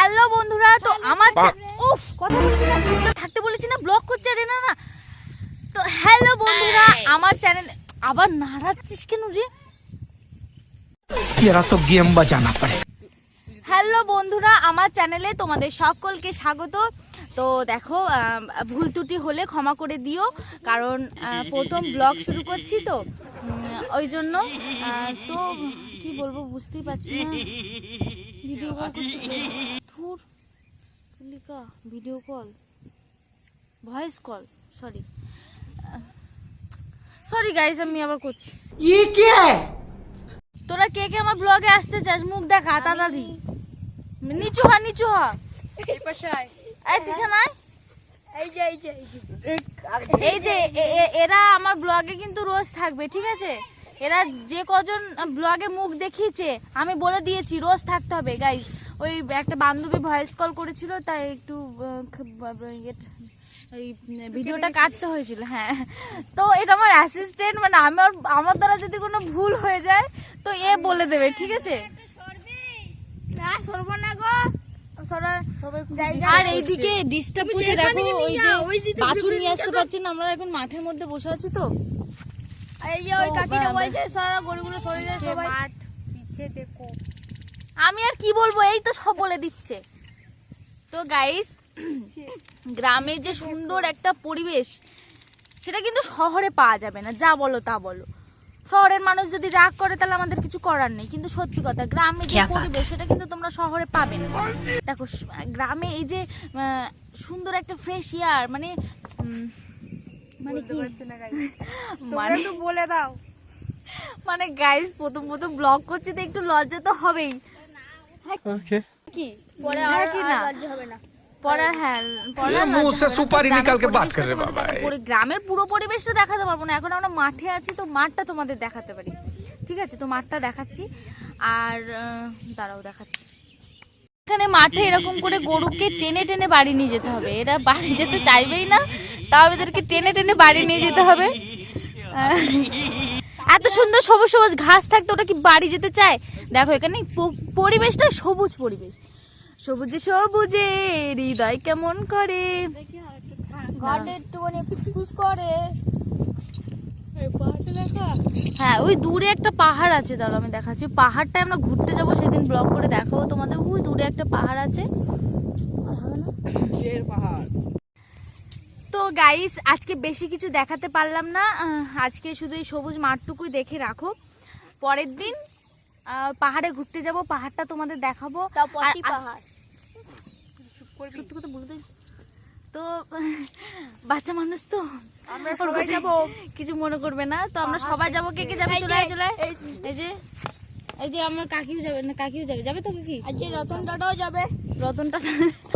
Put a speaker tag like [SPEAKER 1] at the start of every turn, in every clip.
[SPEAKER 1] Hello বন্ধুরা, তো আমার উফ কথা বলবি না, চুপচাপ থাকতে বলেছি না, ব্লক করছে রে। না না, তো হ্যালো বন্ধুরা, আমার চ্যানেল আবার নাড়াচ্ছিস কেন রে?
[SPEAKER 2] तेरा तो गेम बजाना पड़े।
[SPEAKER 1] হ্যালো বন্ধুরা, আমার চ্যানেলে তোমাদের সকলকে স্বাগত। তো দেখো, ভুল ত্রুটি হলে ক্ষমা করে দিও, কারণ প্রথম ব্লগ শুরু করছি তো ওই জন্য। তো কি বলবো বুঝতেই পারছি না। ভিডিও কল করছি, ধুর Tulika, video call, voice call, sorry guys, আমি আবার করছি।
[SPEAKER 2] ये क्या है?
[SPEAKER 1] তোরা কে কে আমার ব্লগে আসতে চাস? মুখ দেখা তাড়াতাড়ি, নিচু হ নিচু হ। এই দিশা নাই, এই যে এরা আমার ব্লগে কিন্তু রোজ থাকবে, ঠিক আছে? এরা যে কজন ব্লগে মুখ দেখিয়েছে আমি বলে দিয়েছি রোজ থাকতে হবে গাইস। ওই একটা বান্ধবী ভয়েস কল করেছিল, তাই একটু এই ভিডিওটা কাটতে হয়েছিল। হ্যাঁ, তো এটা আমার অ্যাসিস্ট্যান্ট, মানে আমার দ্বারা যদি কোনো ভুল হয়ে যায় তো এ বলে দেবে, ঠিক আছে? আর এইদিকে ডিস্টার্ব করছে, দেখো ওই যে বাছুর নিয়ে আসতে পারছি না, আমরা এখন মাঠের মধ্যে বসে আছি। তো আমি আর কি বলবো, এই তো সব বলে দিচ্ছে। তো গাইস, গ্রামের যে সুন্দর একটা পরিবেশ সেটা কিন্তু শহরে পাওয়া যাবে না, যা বলো তা বলো। শহরের মানুষ যদি রাগ করে তাহলে আমাদের কিছু করার নেই, কিন্তু সত্যি কথা, গ্রামে যে পরিবেশ সেটা কিন্তু তোমরা শহরে পাবে না। দেখো গ্রামে এই যে সুন্দর একটা ফ্রেশ এয়ার, মানে কি মানে বলে দাও, মানে গাইস প্রথম ব্লগ করছি তো একটু লজ্জা তো হবেই। কি পরে আর কি না হবে না, পরে হ্যাঁ
[SPEAKER 2] ये मुंह से सुपारी निकाल के बात कर रहे बाबा।
[SPEAKER 1] গ্রামের পুরো পরিবেশটা দেখাতে পারবো না, এখন আমরা মাঠে আছি তো মাঠটা তোমাদের দেখাতে পারি, ঠিক আছে? তো মাঠটা দেখাচ্ছি, আর দাঁড়াও দেখাচ্ছি। এখানে মাঠে এরকম করে গরুকে টেনে টেনে বাড়ি নিয়ে যেতে হবে, এরা বাড়ি যেতে চাইবেই না, তাও এদেরকে টেনে টেনে বাড়ি নিয়ে যেতে হবে। এত সুন্দর সবুজ সবুজ ঘাস থাকতে ওটা কি বাড়ি যেতে চায়? দেখো এখানে পরিবেশটা সবুজ পরিবেশ, সবুজে সবুজে হৃদয় কেমন করে, হ্যাঁ ওই দূরে একটা পাহাড় আছে, দাঁড়াও আমি দেখাচ্ছি। পাহাড়টা আমরা ঘুরতে যাবো, সেদিন ব্লগ করে দেখাবো তোমাদের। ওই দূরে একটা পাহাড় আছে। তো গাইস, আজকে বেশি কিছু দেখাতে পারলাম না, আজকে শুধু এই সবুজ মাঠটুকুই দেখে রাখো। পরের দিন পাহাড়ে ঘুরতে যাব, পাহাড়টা তোমাদের দেখাবো। সত্যি কথা বলতে তো বাচ্চা মানুষ তো আমরা সবাই যাব, কিছু মনে করবে না। তো আমরা সবাই যাবো। কে কে যাবে? চলে এই যে আমার কাকিও যাবে, না কাকিও যাবে তো কাকি, আজকে রতন টাটাও যাবে। রতন টাটা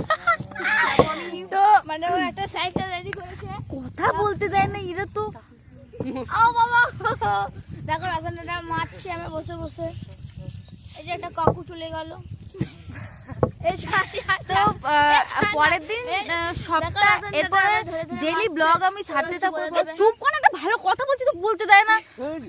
[SPEAKER 1] তো মানে ও একটা সাইকেল রেডি করেছে, কথা বলতে দেয় না এরা তো। ও বাবা, দেখো রতন টাটা মারছে আমি বসে বসে। এই যে একটা কাকু চলে গেল। তো পরের দিন সপ্তাহ এরপরে ডেইলি ব্লগ আমি ছাড়তে থাকবো। চুপ করে, একটা ভালো কথা বলছি তো বলতে দেয় না,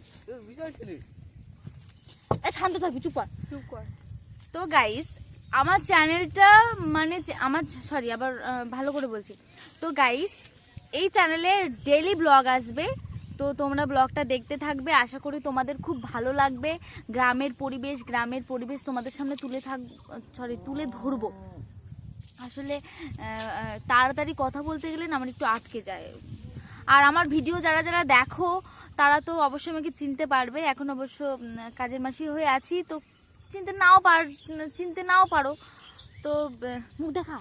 [SPEAKER 1] শান্ত থাকবি, চুপ কর। তো গাইস, আমার চ্যানেলটা মানে আবার ভালো করে বলছি। তো গাইস, এই চ্যানেলে ডেইলি ব্লগ আসবে, তো তোমরা ব্লগটা দেখতে থাকবে। আশা করি তোমাদের খুব ভালো লাগবে। গ্রামের পরিবেশ তোমাদের সামনে তুলে ধরবো। আসলে তাড়াতাড়ি কথা বলতে গেলে না আমার একটু আটকে যায়। আর আমার ভিডিও যারা যারা দেখো তারা তো অবশ্যই আমাকে চিনতে পারবে। এখন অবশ্য কাজের মাসি হয়ে আছি, তো চিনতে নাও পারো। তো মুখ দেখা,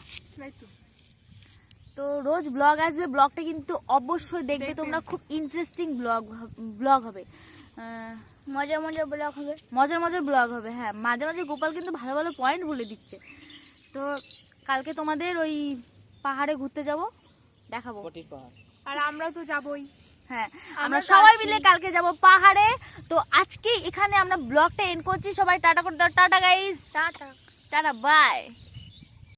[SPEAKER 1] তো রোজ ব্লগ আসবে, ব্লগটা কিন্তু অবশ্যই দেখবে তোমরা। খুব ইন্টারেস্টিং ব্লগ হবে, মজার ব্লগ হবে। হ্যাঁ, মাঝে মাঝে গোপাল কিন্তু ভালো ভালো পয়েন্ট বলে দিচ্ছে। তো কালকে তোমাদের ওই পাহাড়ে ঘুরতে যাব, দেখাবো। আর আমরাও তো যাবই। হ্যাঁ, আমরা সবাই মিলে কালকে যাব পাহাড়ে। তো আজকে এখানে আমরা ব্লগটা এন্ড করছি। সবাই টাটা করে দাও। Tata guys, tata by.